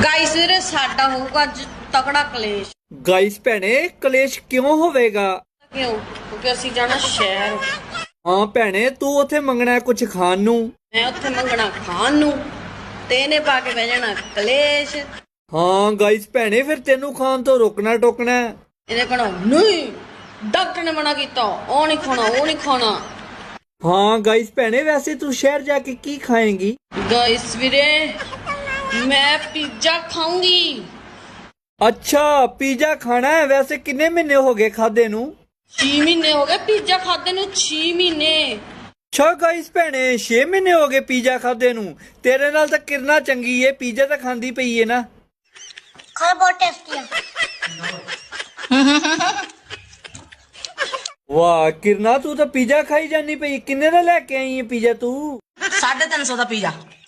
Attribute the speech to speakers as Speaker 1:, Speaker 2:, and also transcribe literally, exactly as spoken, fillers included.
Speaker 1: Guys ਵੀਰੇ ਸਾਡਾ ਹੋਊਗਾ ਅੱਜ ਤਕੜਾ ਕਲੇਸ਼।
Speaker 2: ਗਾਇਸ ਭੈਣੇ ਕਲੇਸ਼ ਕਿਉਂ ਹੋਵੇਗਾ?
Speaker 1: ਕਿਉਂ? ਕਿਉਂਕਿ ਅਸੀਂ ਜਾਣਾ ਸ਼ਹਿਰ।
Speaker 2: ਹਾਂ ਭੈਣੇ ਤੂੰ ਉੱਥੇ ਮੰਗਣਾ ਕੁਝ ਖਾਣ ਨੂੰ,
Speaker 1: ਮੈਂ ਉੱਥੇ ਮੰਗਣਾ ਖਾਣ ਨੂੰ ਤੇ ਇਹਨੇ ਪਾ ਕੇ ਬਹਿ ਜਾਣਾ ਕਲੇਸ਼।
Speaker 2: ਹਾਂ ਗਾਇਸ ਭੈਣੇ ਫਿਰ ਤੈਨੂੰ ਖਾਣ ਤੋਂ ਰੋਕਣਾ ਟੋਕਣਾ।
Speaker 1: ਇਹਨੇ ਕਹਣਾ ਨਹੀਂ ਡਾਕਟਰ ਨੇ ਮਨਾ ਕੀਤਾ, ਉਹ ਨਹੀਂ ਖਾਣਾ ਉਹ ਨਹੀਂ ਖਾਣਾ।
Speaker 2: ਹਾਂ ਗਾਇਸ ਭੈਣੇ ਵੈਸੇ ਤੂੰ ਸ਼ਹਿਰ ਜਾ ਕੇ ਕੀ ਖਾਏਂਗੀ?
Speaker 1: ਗਾਇਸ ਵੀਰੇ ਮੈਂ ਪੀਜ਼ਾ ਖਾਊਂਗੀ।
Speaker 2: ਅੱਛਾ ਪੀਜ਼ਾ ਖਾਣਾ ਹੈ? ਵੈਸੇ ਕਿੰਨੇ ਮਹੀਨੇ ਹੋ ਗਏ ਖਾਦੇ ਨੂੰ?
Speaker 1: ਛੇ ਮਹੀਨੇ ਹੋ ਗਏ ਪੀਜ਼ਾ ਖਾਦੇ ਨੂੰ, ਛੇ ਮਹੀਨੇ।
Speaker 2: ਅੱਛਾ ਗਾਇਸ ਭੈਣੇ ਛੇ ਮਹੀਨੇ ਹੋ ਗਏ ਪੀਜ਼ਾ ਖਾਦੇ ਨੂੰ। ਤੇਰੇ ਨਾਲ ਤਾਂ ਕਿਰਨਾ ਚੰਗੀ ਏ, ਪੀਜ਼ਾ ਤਾਂ ਖਾਂਦੀ ਪਈ ਏ ਨਾ।
Speaker 3: ਖਾ ਬਹੁਤ ਟੇਸਟੀ ਆ।
Speaker 2: ਵਾਹ ਕਿਰਨਾ ਤੂੰ ਤਾਂ ਪੀਜ਼ਾ ਖਾਈ ਜਾਨੀ ਪਈ। ਕਿੰਨੇ ਦਾ ਲੈ ਕੇ ਆਈ ਏ ਪੀਜ਼ਾ ਤੂੰ?
Speaker 4: साढ़े तीन सौ का पिज़्ज़ा।